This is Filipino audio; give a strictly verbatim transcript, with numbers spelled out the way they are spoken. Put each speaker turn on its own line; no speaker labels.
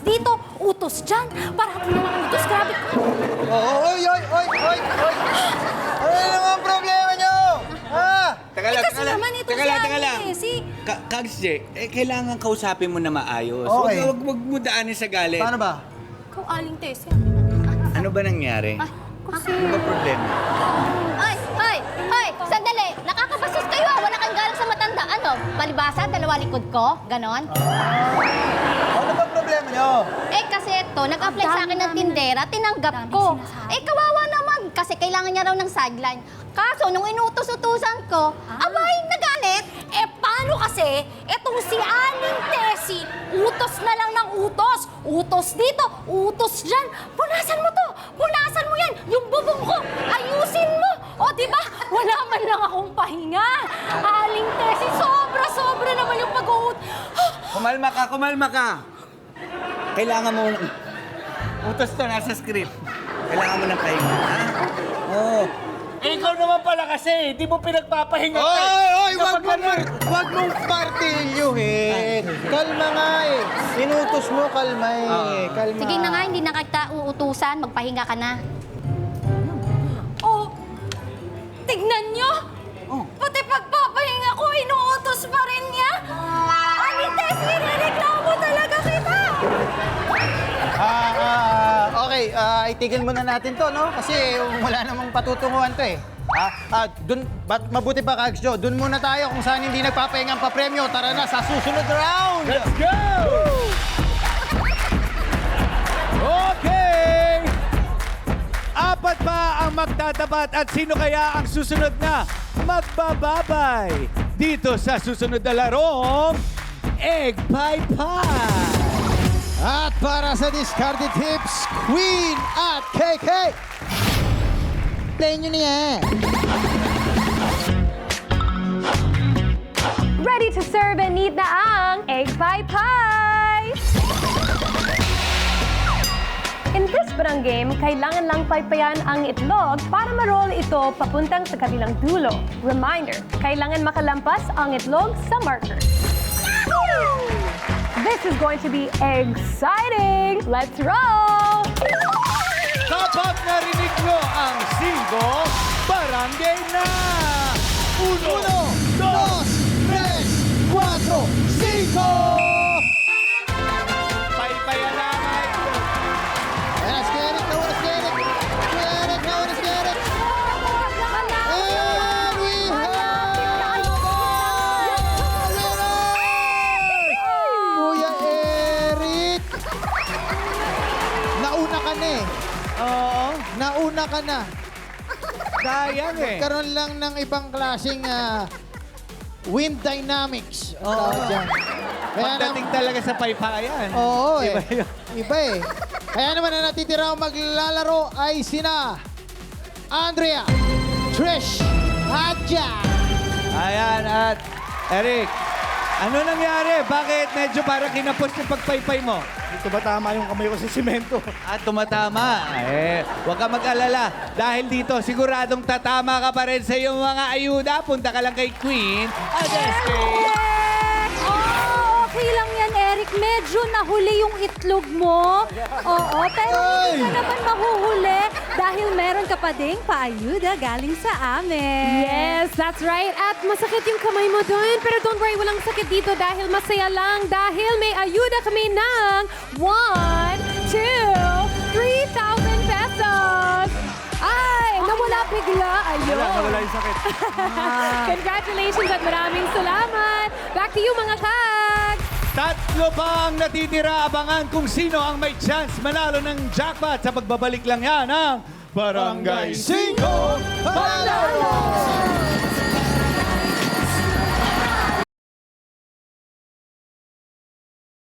dito, utos dyan. Parati na lang utos, grabe ko.
Oh, oy, oy, oy, oy, oy. Ano naman problema nyo? Ha?
Teka
Eh,
lang,
kasi
teka lang.
naman ito
Teka
si
lang, teka
Ani,
lang.
eh, si-
Ka- Kags J, eh, kailangan kausapin mo na maayos.
Okay.
Huwag, huwag, huwag mo daanin sa galit.
Paano ba?
Ikaw, Aling Tessie.
Ano ba nangyari? Ano ba problema?
Ay, ay, ay, sandali. Nakakabasis kayo ah. Wala kang galang sa matanda. Ano? Palibasa, dalawa likod ko? Ganon?
Ano ba problema nyo?
Eh kasi ito, nag-apply
Ang
sa
dami
akin ng
namin-
tindera, tinanggap
ang dami
ko.
sinasabi.
Eh kawawa naman, kasi kailangan niya raw ng sideline. Kaso, nung inutos-utusan ko,
Ah.
abay, nagalit.
Eh, paano kasi? Etong si Aling Tessie, utos na lang ng utos. Utos dito, utos dyan. Punasan mo to, punasan mo yan. Yung bubong ko, ayusin mo. O, di ba? Wala man lang akong pahinga. Aling Tessie, sobra-sobra naman yung pag-uut.
Kumalma ka, kumalma ka. Kailangan mo... Utos to, nasa script. Kailangan mo ng pahinga, ha? Oo. Eh, ikaw naman pala kasi, di mo pinagpapahinga.
Oy, oy, wag
Kapag
mong, mar wag mong partilyuhin. Kalma nga eh. Inutos mo, kalma eh. Kalma.
Sige na nga, hindi na kita uutusan, magpahinga ka na.
Oh, tignan nyo.
Oh.
Pati pagpapahinga ko, inuutos pa rin niya. Aling Tessie, nireklamo talaga kita.
Ah, ah, okay, ah, itigil muna natin to, no? Kasi wala namang patutunguhan to eh. Ah, ah, dun, bat, mabuti pa, Kags Joe. Dun muna tayo kung saan hindi nagpapahinga ang papremyo. Tara na sa susunod round!
Let's go! Okay! Apat pa ang magtatapat at sino kaya ang susunod na magbababay dito sa susunod na larong Egg Pie Pie?
At para sa discarded tips, Queen at K K. Play nyo na yan.
Ready to serve and eat na ang Egg Pie Pie! In this barang game, kailangan lang paypayan ang itlog para ma-roll ito papuntang sa kabilang dulo. Reminder, kailangan makalampas ang itlog sa marker. This is going to be exciting! Let's roll!
Kapag narinig nyo ang singgo, barangay na! Uno,
Uno, dos, tres, cuatro, cinco!
Paypayan na nga ito.
Let's get it, now let's get it. Get it, now let's get it. And we have Kuya Eric! Nauna ka na eh.
Oo,
Nauna ka na.
sayang eh.
Karoon lang ng ibang klaseng ah, wind dynamics.
Oo.
Tawag dyan. Kaya
Pagdating talaga sa paypayan.
Oo eh.
Iba yun.
Iba eh. Kaya naman na natitira ang maglalaro ay sina Andrea, Trish, at Jack.
Ayan, at Eric, ano nangyari? Bakit medyo parang kinapos yung pagpaypay mo?
Dito ba tama yung kamay ko sa simento?
At tumatama. Eh, huwag ka mag-alala. Dahil dito, siguradong tatama ka pa rin sa iyong mga ayuda. Punta ka lang kay Queen. At S K.
Oh, okay lang yan, Eric. Medyo nahuli yung itlog mo. Oo, pero hindi ka naman mahuhuli dahil meron ka pa ding paayuda galing sa amin.
Yes, that's right. At masakit yung kamay mo doon. Pero don't worry, walang sakit dito dahil masaya lang. Dahil may ayuda kami ng one, two, three thousand pesos. Ay, nawala bigla. Ayun.
Wala, nawala yung sakit.
Congratulations at maraming salamat. Back to you, mga kags.
Tatlo pa ang natitira. Abangan kung sino ang may chance manalo ng jackpot sa pagbabalik lang yan ng Barangay Cinco Panalo!